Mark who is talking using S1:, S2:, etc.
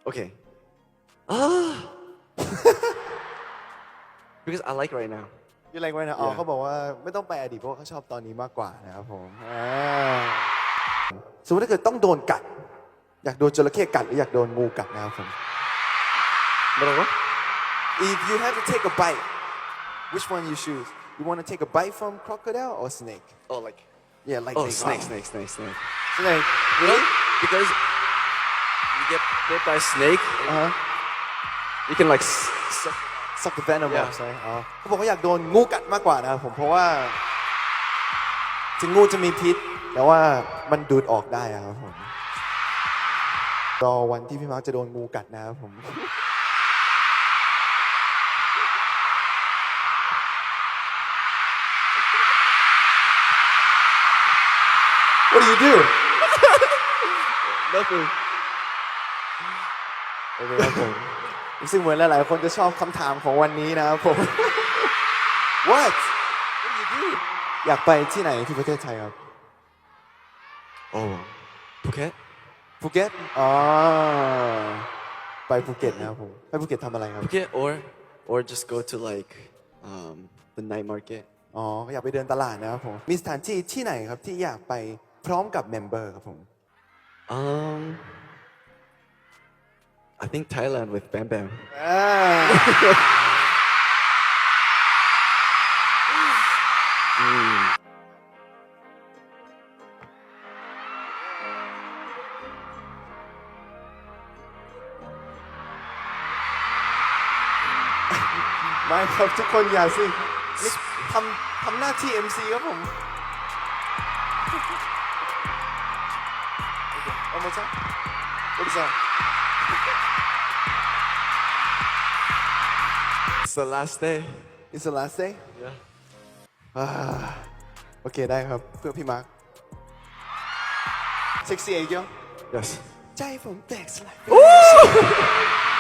S1: Okay. Ah. Because I like right now.
S2: ยูไรไว้นะอ๋อ
S1: Yeah.
S2: เขาบอกว่าไม่ต้องไปอดีตเพราะว่าเขาชอบตอนนี้มากกว่านะครับผมสมมติถ้าเกิดต้องโดนกัด อยากโดนจระเข้กัดหรืออยากโดนงูกัดนะครับผม
S1: What?
S2: If you have to take a bite which one you choose you want to take a bite from crocodile or snake
S1: Oh, like.
S2: yeah like
S1: Oh,
S2: snake
S1: snake.
S2: snake
S1: Really? Because you get bit by a snake, you can like suck.
S2: suck the venom
S1: Yeah.
S2: off ใช่อ๋อเขาบอกว่าอยากโดนงูกัดมากกว่านะครับผมเพราะว่าถึงงูจะมีพิษแต่ว่ามันดูดออกได้ครับผมรอวันที่พี่มาร์คจะโดนงูกัดนะครับผม What do you do
S1: Nothing.
S2: โอเคครับผมซึ่งเหมือนหลายๆคนจะชอบคำถามของวันนี้นะครับผม What What do you do อยากไปที่ไหนที่ประเทศไทยครับ
S1: Oh, Phuket?
S2: ภูเก็ตอ๋อไปภูเก็ตนะครับผมไปภูเก็ตทำอะไรครับ
S1: Phuket or just go to like the night market.
S2: อ๋ออยากไปเดินตลาดนะครับผมมีสถานที่ที่ไหนครับที่อยากไปพร้อมกับเมมเบอร์ครับผม
S1: I think Thailand with Bam Bam.
S2: ไม่ครับทุกคนอย่าสินี่ทำหน้าที่ MC ครับผม One more time What is that
S1: It's the last day.
S2: It's the last day
S1: Yeah.
S2: โอเคได้ครับเพื่อพี่มาร์คเซ็กซี่เอเกียว
S1: Yes.
S2: ใจผมแตกสลาย